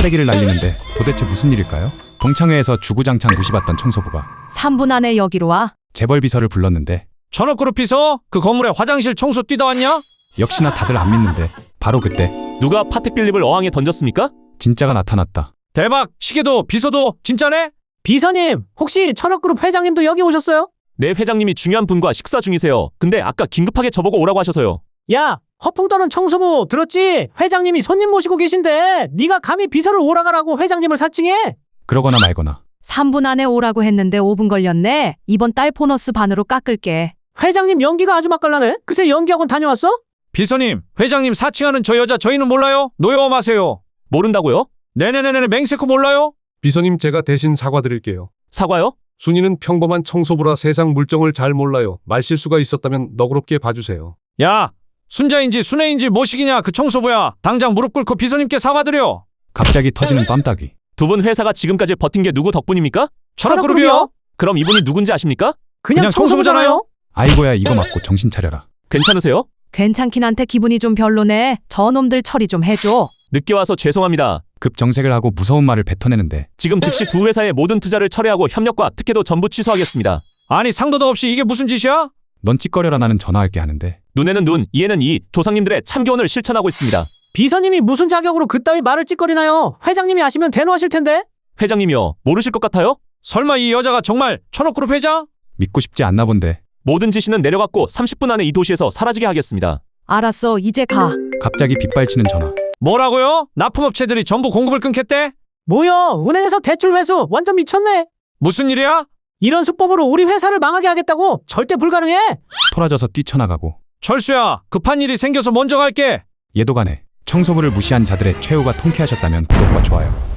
쓰레기를 날리는데 도대체 무슨 일일까요? 동창회에서 주구장창 무시받던 청소부가 3분 안에 여기로 와. 재벌 비서를 불렀는데 전업그룹 비서? 그 건물에 화장실 청소 뛰다 왔냐? 역시나 다들 안 믿는데 바로 그때 누가 파텍 필립을 어항에 던졌습니까? 진짜가 나타났다. 대박! 시계도 비서도 진짜네? 비서님, 혹시 천억그룹 회장님도 여기 오셨어요? 네, 회장님이 중요한 분과 식사 중이세요. 근데 아까 긴급하게 저보고 오라고 하셔서요. 야, 허풍 떠는 청소부 들었지? 회장님이 손님 모시고 계신데 네가 감히 비서를 오라가라고 회장님을 사칭해? 그러거나 말거나 3분 안에 오라고 했는데 5분 걸렸네. 이번 달 보너스 반으로 깎을게. 회장님 연기가 아주 맛깔나네. 그새 연기학원 다녀왔어? 비서님, 회장님 사칭하는 저 여자 저희는 몰라요? 노여워 마세요. 모른다고요? 네네네네 맹세코 몰라요? 비서님, 제가 대신 사과드릴게요. 사과요? 순이는 평범한 청소부라 세상 물정을 잘 몰라요. 말실수가 있었다면 너그럽게 봐주세요. 야, 순자인지 순애인지 뭐시기냐 그 청소부야. 당장 무릎 꿇고 비서님께 사과드려. 갑자기 터지는 뺨따기. 두 분 회사가 지금까지 버틴 게 누구 덕분입니까? 천억그룹이요? 그럼 이분이 누군지 아십니까? 그냥 청소부잖아요. 아이고야 이거 맞고 정신 차려라. 괜찮으세요? 괜찮긴 한데 기분이 좀 별로네. 저놈들 처리 좀 해줘. 늦게 와서 죄송합니다. 급정색을 하고 무서운 말을 뱉어내는데 지금 즉시 두 회사의 모든 투자를 철회하고 협력과 특혜도 전부 취소하겠습니다. 아니 상도도 없이 이게 무슨 짓이야? 넌 찌꺼려라 나는 전화할게 하는데 눈에는 눈, 이에는 이, 조상님들의 참교훈을 실천하고 있습니다. 비서님이 무슨 자격으로 그따위 말을 찌꺼리나요? 회장님이 아시면 대노하실 텐데. 회장님이요, 모르실 것 같아요? 설마 이 여자가 정말 천억그룹 회장? 믿고 싶지 않나 본데 모든 지시는 내려갔고 30분 안에 이 도시에서 사라지게 하겠습니다. 알았어, 이제 가. 갑자기 빗발치는 전화. 뭐라고요? 납품업체들이 전부 공급을 끊겠대? 뭐여? 은행에서 대출 회수 완전 미쳤네. 무슨 일이야? 이런 수법으로 우리 회사를 망하게 하겠다고? 절대 불가능해. 토라져서 뛰쳐나가고 철수야, 급한 일이 생겨서 먼저 갈게. 얘도 가네. 청소부를 무시한 자들의 최후가 통쾌하셨다면 구독과 좋아요